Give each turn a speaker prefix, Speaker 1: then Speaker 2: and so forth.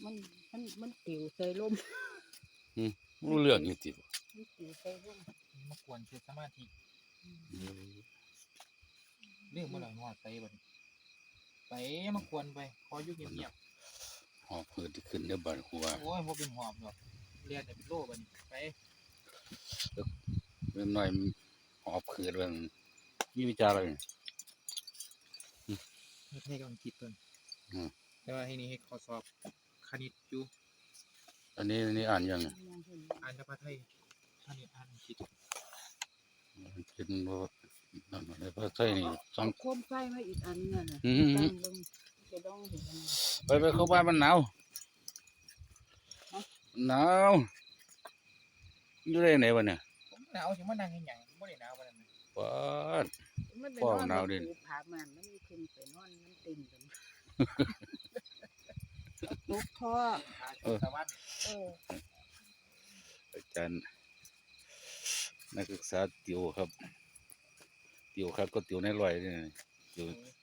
Speaker 1: มันมันติวใส่ลม
Speaker 2: รู้เรื่องอยู่ติ
Speaker 1: มันติวใส่ลม
Speaker 3: มากวนคือสมาธิเรื่องเมื่อไหร่หอดไปบ่ไปมากวนไปคอยอยู่เงียบ
Speaker 2: หอบเพื่อที่ขึ้นได้บัดหัว
Speaker 3: ๆโอ้ยบ่เป็นหอบหรอกเรียนแต่เป็นโลบ่ไป
Speaker 2: เริ่มหน่อยหอบเพื่อเรื่องมีวิจารณ์อะไร
Speaker 3: ให้กำลังคิดต้นแต่ว่าที่นี่ให้ข้อสอบคณิตอยู่
Speaker 2: อันนี้อ่านยัง
Speaker 3: อ่านภาษาไทยคณิตอ่านอังกฤษ
Speaker 2: เป็นนั่นอะไรภาษาไทยนี่สอง
Speaker 1: โคมไฟมาอีกอันนึงน่ะตั้งลงจะต้องเห็น
Speaker 2: ไปเข้าบ้านมันหนาวอยู่ได้ไหนวะเนี่ย
Speaker 3: ผมหนาวสิมานั่งเฮ็ดหยังบ่ได้หนาวปานนั้น
Speaker 2: ป้าด
Speaker 1: มัน
Speaker 2: ฟ้องหนาวดิ
Speaker 1: ผามันมันขึ้นไปนอนมันติ่งกันลุกท่อ
Speaker 3: ตะวัน
Speaker 2: อาจารย์นักศึกษาติวครับติวครับก็ติวในร้อยนี่ติว